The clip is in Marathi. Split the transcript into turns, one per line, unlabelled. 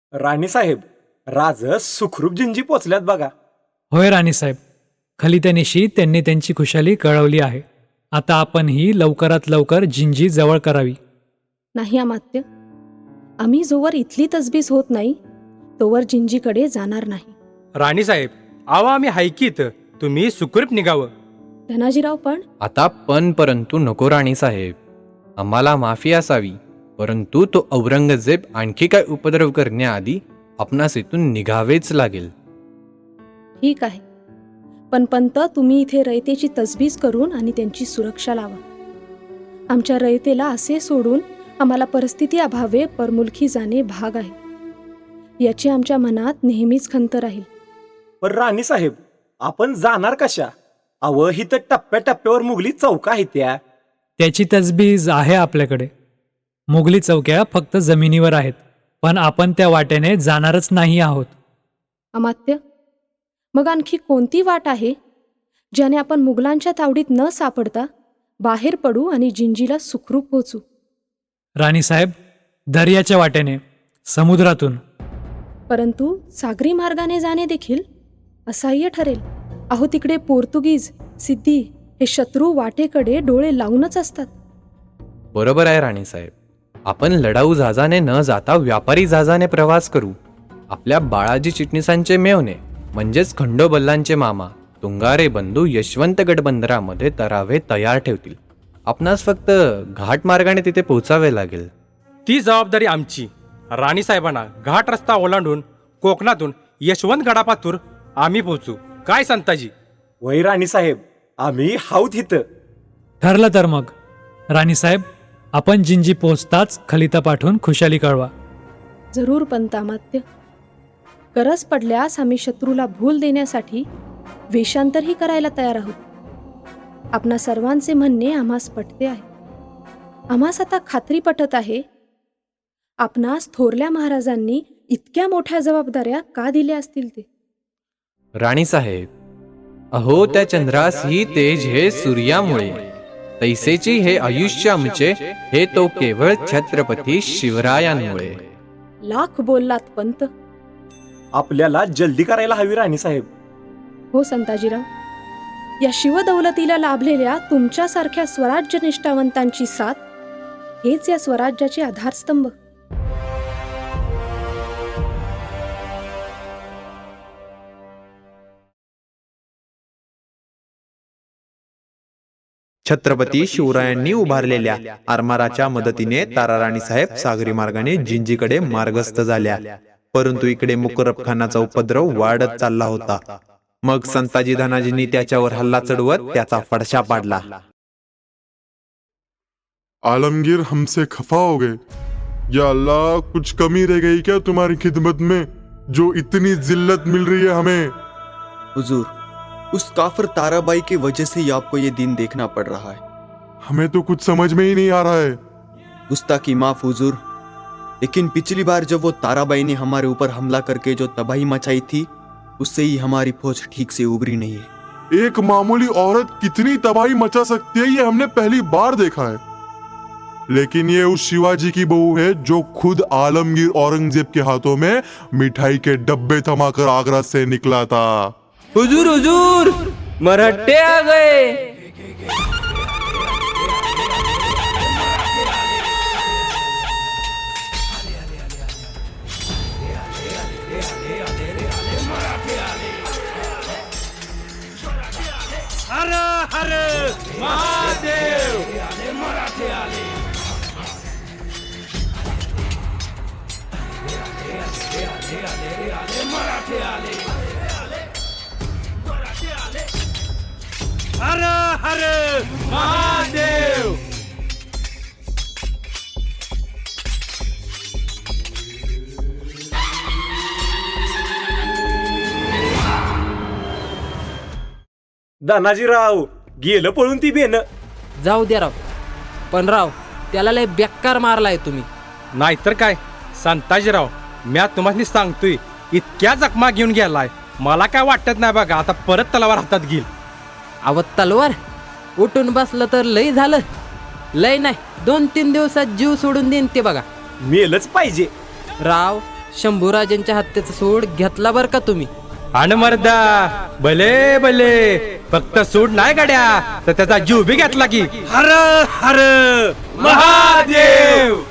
राणीसाहेब, राज सुखरूप जिंजी पोचल्यात बघा.
होय राणीसाहेब, खलित्यानिशी त्यांनी त्यांची खुशाली कळवली आहे. आता आपण ही लवकरात लवकर जिंजी जवळ करावी.
नाही अमात्य, आम्ही जोवर इथली तसबीस होत नाही तोवर जिंजीकडे जाणार नाही.
राणीसाहेब, आवा आम्ही हायकीत, तुम्ही सुखरूप निघावं.
धनाजीराव पण
आता पण परंतु नको राणीसाहेब, आम्हाला माफी असावी, परंतु तो औरंगजेब आणखी काय उपद्रव करण्याआधी आपणास इथून निघावेच लागेल.
ठीक आहे, पण पंत तुम्ही इथे रयतेची तसबीस करून आणि त्यांची सुरक्षा लावा. आमच्या रयतेला असे सोडून आम्हाला परिस्थिती अभावे परमुलकी जाणे भाग आहे. याची आमच्या मनात नेहमीच खंत राहील.
पण राणीसाहेब, आपण जाणार कशा? अव ही तर टप्प्याटप्प्यावर मुघली चौका आहेत त्या.
त्याची तजबीज आहे आपल्याकडे. मुघली चौक्या फक्त जमिनीवर आहेत, पण आपण त्या वाटेने जाणारच नाही आहोत.
अमात्य, मग आणखी कोणती वाट आहे ज्याने आपण मुघलांच्या तावडीत न सापडता बाहेर पडू आणि जिंजीला सुखरूप पोचू?
राणीसाहेब, दर्याच्या वाटेने, समुद्रातून.
परंतु सागरी मार्गाने जाणे देखील असह्य ठरेल. अहो, तिकडे पोर्तुगीज, सिद्धी हे शत्रू वाटेकडे डोळे लावूनच असतात.
बरोबर आहे राणीसाहेब, आपण लढाऊ जहाजाने न जाता व्यापारी जहाजाने प्रवास करू. आपल्या बाळाजी चिटणीसांचे मेवणे म्हणजेच खंडोबल्लांचे मामा तुंगारे बंधू यशवंतगड बंदरामध्ये तरावे तयार ठेवतील. आपणास फक्त घाट मार्गाने तिथे पोहोचावे लागेल.
ती जबाबदारी आमची. राणीसाहेबांना घाट रस्ता ओलांडून कोकणातून यशवंतगडापातूर आम्ही पोहोचू. काय संताजी?
वै राणीसाहेब, आम्ही हाऊत इथं.
ठरलं तर मग. राणीसाहेब, आपण जिंजी पोहोचताच खलिता पाठवून खुशाली कळवा.
जरूर पंत अमात्य. गरज पडल्यास आम्ही शत्रूला भूल देण्यासाठी वेषांतरही करायला तयार आहोत. आपणा सर्वांचे म्हणणे आम्हास पटते आहे. आम्हास आता खात्री पटत आहे आपणास थोरल्या महाराजांनी इतक्या मोठ्या जबाबदाऱ्या का दिल्या असतील ते.
राणीसाहेब, अहो त्या चंद्रास ही तेज हे सूर्यामुळे, तैसेची हे आयुष्य आमचे हे तो केवळ छत्रपती शिवरायांमुळे.
लाख बोललात पंत.
आपल्याला जल्दी करायला हवी राणीसाहेब.
हो संताजीराव, या शिवदौलतीला लाभलेल्या तुमच्यासारख्या स्वराज्य निष्ठावंतांची साथ हेच या स्वराज्याचे आधारस्तंभ.
छत्रपती शिवरायांनी उभारलेल्या आरमाराच्या मदतीने ताराराणी साहेब सागरी मार्गाने जिंजीकडे मार्गस्थ झाल्या. परंतु इकडे मुकरब खानाचा उपद्रव वाढत चालला होता. मग संताजी धनाजींनी त्याच्यावर हल्ला चढवत त्याचा फडशा पाडला.
आलमगीर, हमसे खफा हो गए. या अल्लाह, कुछ कमी रह गई क्या तुम्हारी खिदमत में, जो इतनी जिल्लत मिल रही है हमें?
हुजूर, उस काफिर ताराबाई की वजह से ही आपको ये दिन देखना पड़ रहा है.
हमें तो कुछ समझ में ही नहीं आ रहा है.
गुस्ताखी माफ हुजूर, लेकिन पिछली बार जब वो ताराबाई ने हमारे ऊपर हमला करके जो तबाही मचाई थी, उससे ही हमारी फौज ठीक से उभरी नहीं है.
एक मामूली औरत कितनी तबाही मचा सकती है, ये हमने पहली बार देखा है. लेकिन ये उस शिवाजी की बहू है जो खुद आलमगीर औरंगजेब के हाथों में मिठाई के डब्बे थमाकर आगरा से निकला था.
हुजूर हुजूर, मराठे आ गए.
हर हर महादेव. मराठे आले. हर हर महादेव.
धनाजीराव, गेलं पळून ती बेन.
जाऊ द्या राव, पण राव त्याला लय बेकार मारलाय तुम्ही.
नाहीतर काय संताजीराव, म्या तुम्हाला सांगतोय, इतक्या जखमा घेऊन गेलाय, मला काय वाटत नाही बघा आता परत तलवार हातात घेईल.
अव तलवार उठून बसलं तर लय झालं. लय नाही 2-3 दिवसात जीव सोडून देईन ते बघा.
मेलच पाहिजे.
राव शंभूराजांच्या हत्येचा सूड घेतला बर का तुम्ही.
आणि मर्दा भले भले फक्त सूड नाही गाड्या तर त्याचा जीव बी घेतला की. हर हर महादेव.